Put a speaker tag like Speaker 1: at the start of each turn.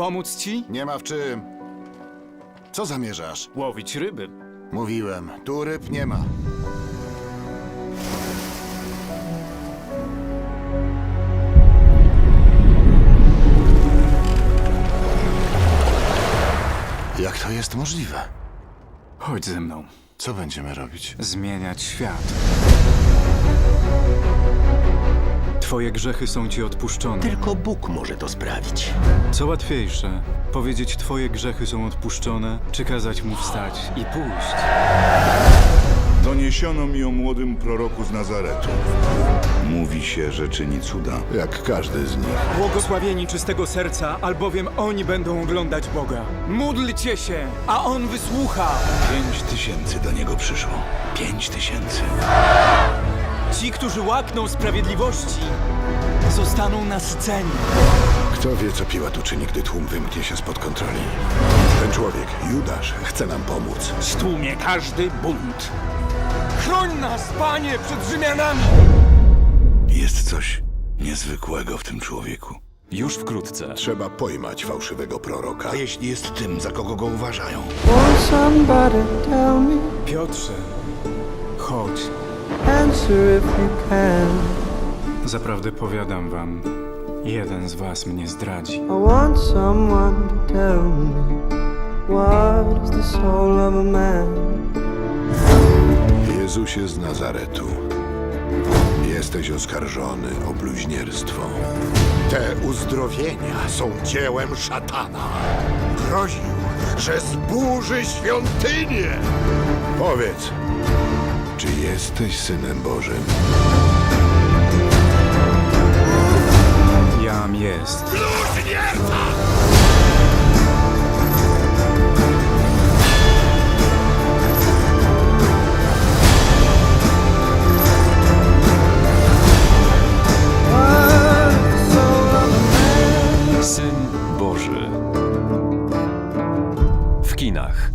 Speaker 1: pomóc ci?
Speaker 2: Nie ma w czym. Co zamierzasz?
Speaker 1: Łowić ryby.
Speaker 2: Mówiłem, tu ryb nie ma. Jak to jest możliwe?
Speaker 1: Chodź ze mną.
Speaker 2: Co będziemy robić?
Speaker 1: Zmieniać świat. Twoje grzechy są ci odpuszczone.
Speaker 3: Tylko Bóg może to sprawić.
Speaker 1: Co łatwiejsze, powiedzieć twoje grzechy są odpuszczone, czy kazać mu wstać i pójść?
Speaker 4: Doniesiono mi o młodym proroku z Nazaretu. Mówi się, że czyni cuda.
Speaker 2: Jak każdy z nich.
Speaker 1: Błogosławieni czystego serca, albowiem oni będą oglądać Boga. Módlcie się, a On wysłucha.
Speaker 4: 5000 do niego przyszło. 5000.
Speaker 1: Ci, którzy łakną sprawiedliwości, zostaną nasyceni.
Speaker 2: Kto wie, co Piłat uczyni, gdy tłum wymknie się spod kontroli? Ten człowiek, Judasz, chce nam pomóc.
Speaker 3: Stłumie każdy bunt.
Speaker 1: Chroń nas, Panie, przed Rzymianami!
Speaker 4: Jest coś niezwykłego w tym człowieku.
Speaker 1: Już wkrótce.
Speaker 2: Trzeba pojmać fałszywego proroka.
Speaker 4: A jeśli jest tym, za kogo go uważają?
Speaker 5: Won't somebody tell me,
Speaker 1: Piotrze, chodź.
Speaker 5: answer if you can.
Speaker 1: Zaprawdę powiadam wam, jeden z was mnie zdradzi.
Speaker 5: I want someone to tell me, what is the soul of a man?
Speaker 2: Jezusie z Nazaretu, jesteś oskarżony o bluźnierstwo. Te uzdrowienia są dziełem szatana. Groził, że zburzy świątynię. Powiedz, czy jesteś Synem Bożym?
Speaker 1: Jam jest.
Speaker 6: Syn Boży. W kinach.